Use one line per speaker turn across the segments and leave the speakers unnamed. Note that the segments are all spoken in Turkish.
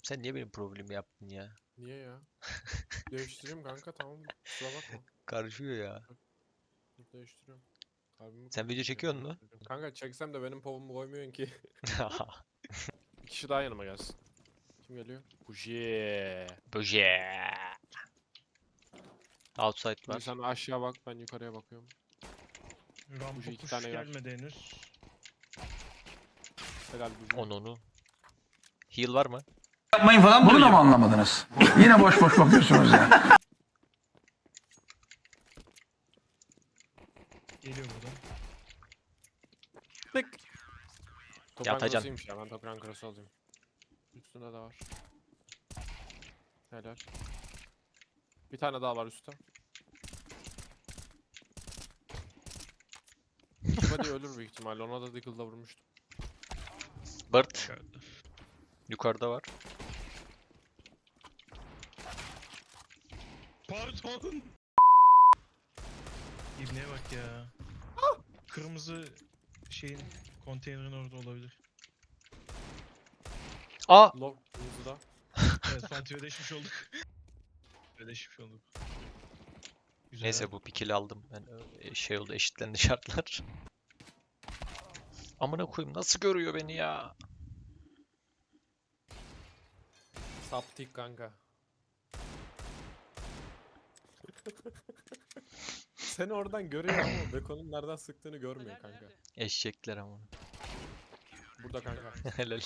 Sen niye benim problemimi yaptın ya?
Niye ya? Değiştireyim kanka, tamam. Kusura bakma.
Karışıyor ya.
Dur, değiştiriyorum. Kalbimi
Sen video
kırdım seni,
çekiyorsun mu?
değiştireceğim. Kanka çeksem de benim povumu koymuyorsun ki. Bir kişi daha yanıma gelsin. Kim geliyor? Bujiye.
Böce. Outside
Şimdi
var.
sen aşağı bak, ben yukarıya bakıyorum.
Rampa
Buji iki
push
tane yer.
gelmedi henüz.
Helal Buji.
Onu. Heal var mı?
Yapmayın falan bunu da mı anlamadınız? Yine boş boş bakıyorsunuz ya.
Geliyor buradan.
Tık. Toprağın
Yatacan.
cross'uymuş ya, ben toprağın cross'u alayım. Üstünde de var. Helal. Bir tane daha var üstte. Body ölür büyük ihtimalle, ona da Deagle'da vurmuştum.
Bird. Yukarıda var.
Pardon. İbneye bak ya. Kırmızı şeyin konteynerin orada olabilir.
Aa!
Low hızlı.
Evet, Fatih ödeşmiş olduk. Ödeşmiş olduk. Güzel.
Neyse bu bir kill aldım. Ben şey oldu, eşitlendi şartlar. Amına koyayım, nasıl görüyor beni ya?
Saptik kanka. Seni oradan görüyor ama Beko'nun nereden sıktığını görmüyor kanka.
Eşekler ama.
Burada kanka.
Helal.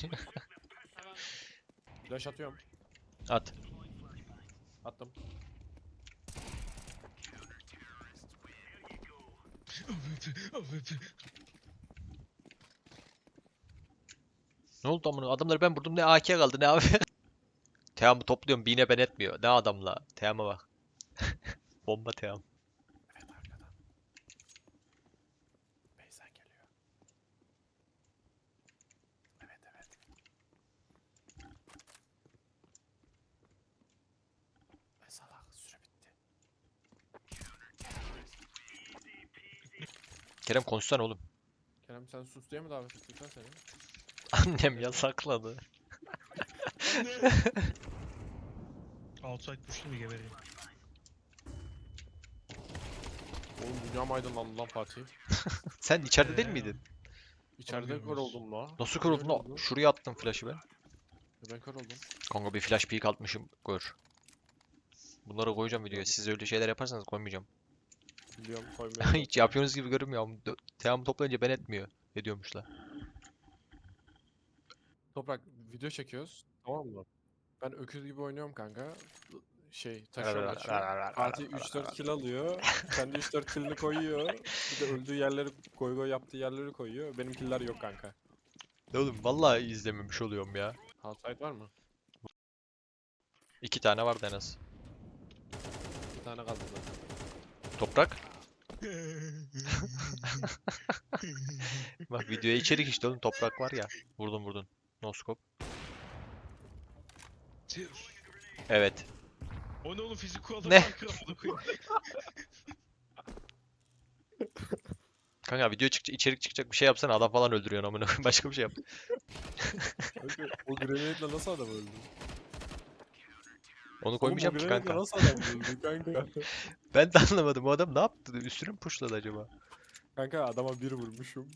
Flash atıyorum.
At.
Attım.
Ne oldu amına? Adamları ben vurdum, ne AK kaldı ne abi? Team'ı topluyorum, bine ben etmiyor. Ne adamla? Team'a bak. Bomba Team.
Evet, arkadan. Beyza geliyor. Evet evet. Salak, süre bitti.
Kerem konuşsana oğlum.
Kerem sen sus diye mi davet ettik lan seni?
Annem yasakladı.
Outside push'lu mu gebereyim?
Oğlum dünyam aydınlandı lan Fatih.
Sen içeride değil miydin?
İçeride
Bilmiyorum
kör
nasıl.
oldum la.
Nasıl kör oldun
Niye öyle
lan?
oldu?
Şuraya attım flash'ı ben.
Ben kör oldum.
Kanka bir flash peek atmışım, gör. Bunları koyacağım videoya. Siz öyle şeyler yaparsanız koymayacağım.
Biliyorum, koymuyorum.
Hiç yapıyorsunuz gibi görünmüyor ama Team'ı toplayınca ben etmiyor. Ediyormuşlar.
Toprak, video çekiyoruz. Tamam mı? Ben öküz gibi oynuyorum kanka. Taşıyorum açıyorum. Fatih 3-4 kill alıyor. Kendi 3-4 killini koyuyor. Bir de öldüğü yerleri, goy goy yaptığı yerleri koyuyor. Benim killer yok kanka.
Ne oğlum, vallahi izlememiş oluyorum ya.
Outside var mı?
2 tane vardı en az.
Bir tane kaldı zaten.
Toprak. Bak videoya içerik işte oğlum, toprak var ya. Vurdun. No scope. Evet.
O ne oğlum, fizik kuralları
Ne?
var, kıramadı koyayım.
Kanka video çıkacak, içerik çıkacak bir şey yapsana, adam falan öldürüyorsun amına koyayım. Başka bir şey yap.
Kanka, o grenade'le nasıl adam öldü?
Onu koymayacağım
Oğlum,
ki
o grenade'le
kanka.
nasıl adam öldü kanka?
Ben de anlamadım, o adam ne yaptı? Üstüne mi pushladı acaba?
Kanka adama bir vurmuşum.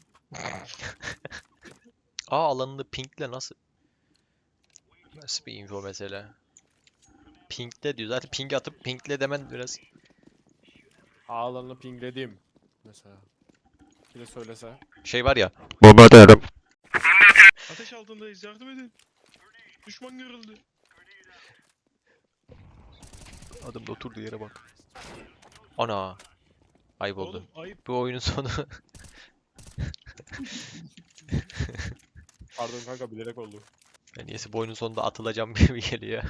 Aa, alanını pinkle nasıl? Nasıl bir info mesela? Pinkle diyor. Zaten ping atıp pinkle demen biraz.
Ağlarını pingledim. Mesela. Bir de söylese.
Şey var ya. Bomba atarım.
Ateş altındayız, yardım edin. Düşman görüldü.
Adam da oturduğu yere bak. Ana. Ayıp oldu.
Oğlum ayıp.
Bu oyunun sonu.
Pardon kanka, bilerek oldu.
Ben niyeyse bu oyunun sonunda atılacağım gibi geliyor.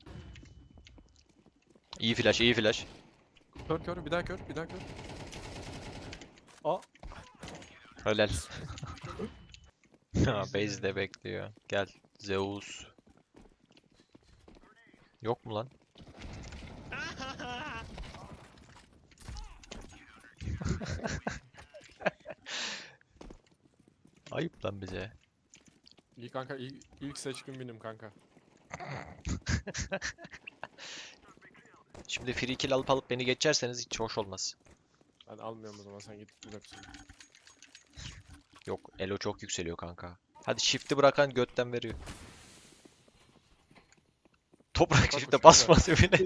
İyi flash, iyi flash.
Kör kör, bir daha kör, bir daha kör. Aa.
Helal. Ha, base de bekliyor. Gel. Zeus. Yok mu lan? Ayıp lan bize.
İyi kanka, ilk seçkin benim kanka.
Şimdi free kill alıp beni geçerseniz hiç hoş olmaz.
Ben almıyorum o zaman, sen git bırak.
Yok, elo çok yükseliyor kanka. Hadi shift'i bırakan götten veriyor. Toprak
Toprak
shift'e
uçuyor
basmaz evine.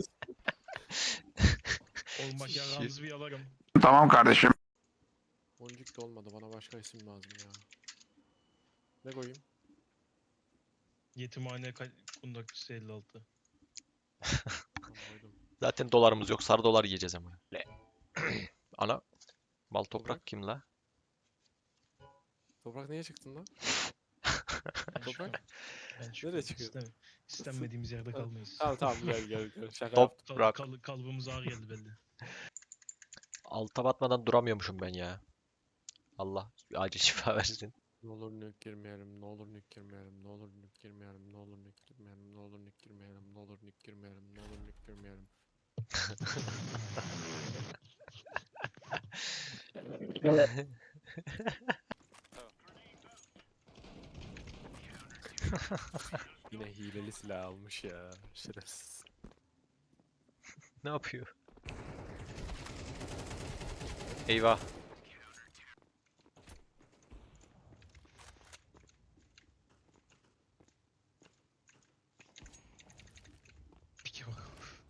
Olmak yarağınızı bir yalarım.
Tamam kardeşim.
Boncuk da olmadı, bana başka isim lazım ya. Ne koyayım?
Yetimhane kundakçısı 56.
Tamam, koydum.
Zaten dolarımız yok. Sarı dolar yiyeceğiz ama. Ana. Mal toprak
Toprak.
kim la?
Toprak niye çıktın lan?
Ben
Toprak.
çıkıyorum. Ben
Nereye
çıkıyorum.
çıkıyor?
İstenmediğimiz yerde kalmayız.
Tamam gel. Şaka
Top.
yaptım.
Bırak.
Kalıbımız ağır geldi belli.
Alta batmadan duramıyormuşum ben ya. Allah acil şifa versin.
Ne olur nük girmeyelim, ne olur nük girmeyelim, ne olur nük girmeyelim, ne olur nük girmeyelim, ne olur nük girmeyelim, ne olur nük girmeyelim, ne olur nük girmeyelim. Yine hileli silah almış ya, şerefsiz.
Ne yapıyor? Eyvah.
Peki bak.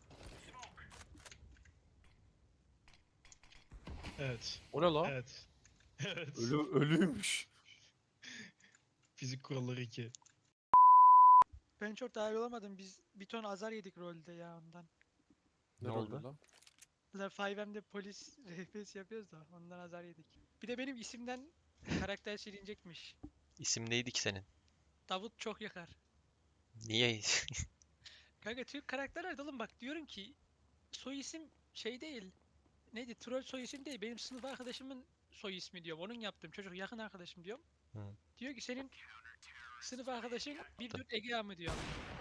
Evet.
O ne lan?
Evet. Evet.
Ölüymüş.
Fizik kuralları 2.
Ben çok dahil olamadım. Biz bir ton azar yedik rolde ya ondan.
Ne
rolü
oldu?
lan?
Bunlar 5M'de polis RPS yapıyoruz da ondan azar yedik. Bir de benim isimden karakter silinecekmiş.
İsim neydi ki senin?
Davut çok yakar.
Niye?
Kanka Türk karakterler de oğlum bak diyorum ki soy isim şey değil. Neydi? Troll soy isim değil. Benim sınıf arkadaşımın soy ismi diyorum. Onun yaptığım çocuk yakın arkadaşım diyorum.
Hı.
Diyor ki senin sınıf arkadaşın bir dört Ege mı diyor.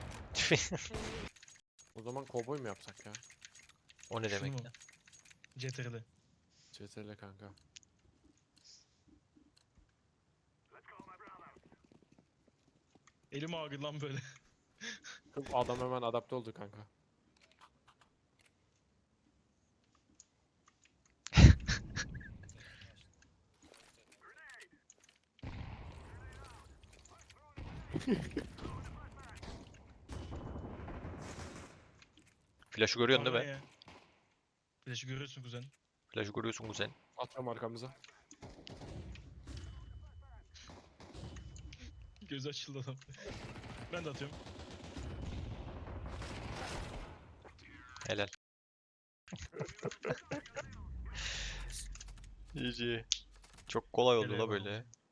O zaman kovboy mu yapsak ya?
O ne demek
Şunu
ya?
CTRL.
CTRL kanka.
Elim ağrıyor lan böyle.
Adam hemen adapte oldu kanka.
Flash'ı görüyorsun değil
Bana
mi?
ne ya? Flash'ı görüyorsun kuzen.
Flash'ı görüyorsun kuzen.
Atıyorum arkamıza.
Gözü açıldı adam. Ben de atıyorum.
Helal. GG. Çok kolay oldu
Helal
la
olsun.
böyle.